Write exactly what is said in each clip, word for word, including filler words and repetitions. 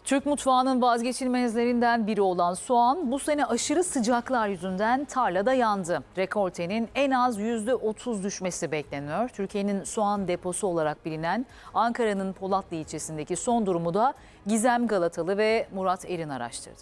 Türk mutfağının vazgeçilmezlerinden biri olan soğan bu sene aşırı sıcaklar yüzünden tarlada yandı. Rekoltenin en az yüzde otuz düşmesi bekleniyor. Türkiye'nin soğan deposu olarak bilinen Ankara'nın Polatlı ilçesindeki son durumu da Gizem Galatalı ve Murat Erin araştırdı.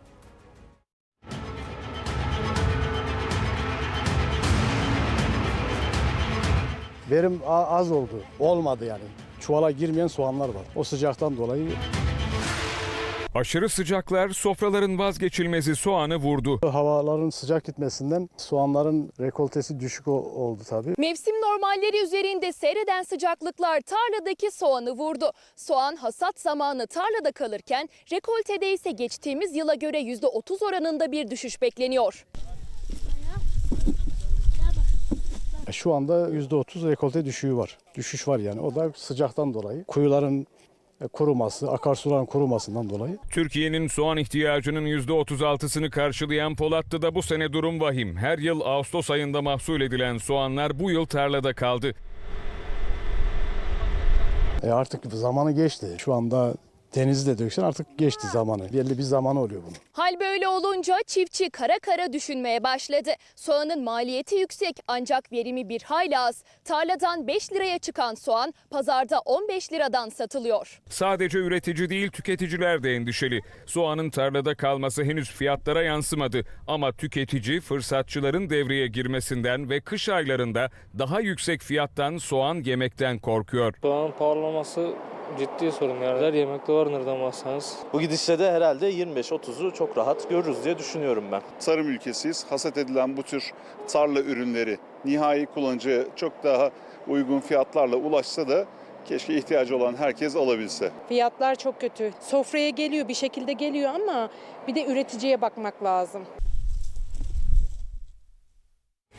Verim az oldu. Olmadı yani. Çuvala girmeyen soğanlar var. O sıcaktan dolayı. Aşırı sıcaklar sofraların vazgeçilmezi soğanı vurdu. Havaların sıcak gitmesinden soğanların rekoltesi düşük oldu tabii. Mevsim normalleri üzerinde seyreden sıcaklıklar tarladaki soğanı vurdu. Soğan hasat zamanı tarlada kalırken rekoltede ise geçtiğimiz yıla göre yüzde otuz oranında bir düşüş bekleniyor. Şu anda yüzde otuz rekolte düşüğü var. Düşüş var yani. O da sıcaktan dolayı. Kuyuların kuruması, akarsuların kurumasından dolayı. Türkiye'nin soğan ihtiyacının yüzde otuz altısını karşılayan Polatlı'da bu sene durum vahim. Her yıl Ağustos ayında mahsul edilen soğanlar bu yıl tarlada kaldı. E artık zamanı geçti. Şu anda denizde döksen artık geçti zamanı. Belli bir zamanı oluyor bunun. Hal böyle olunca çiftçi kara kara düşünmeye başladı. Soğanın maliyeti yüksek ancak verimi bir hayli az. Tarladan beş liraya çıkan soğan pazarda on beş liradan satılıyor. Sadece üretici değil, tüketiciler de endişeli. Soğanın tarlada kalması henüz fiyatlara yansımadı. Ama tüketici fırsatçıların devreye girmesinden ve kış aylarında daha yüksek fiyattan soğan yemekten korkuyor. Soğanın pahalanması ciddi sorun yani. Her yemekte var nereden baksanız. Bu gidişle de herhalde yirmi beş otuzu çok rahat görürüz diye düşünüyorum ben. Tarım ülkesiyiz. Hasat edilen bu tür tarla ürünleri nihai kullanıcıya çok daha uygun fiyatlarla ulaşsa da keşke ihtiyacı olan herkes alabilse. Fiyatlar çok kötü. Sofraya geliyor, bir şekilde geliyor ama bir de üreticiye bakmak lazım.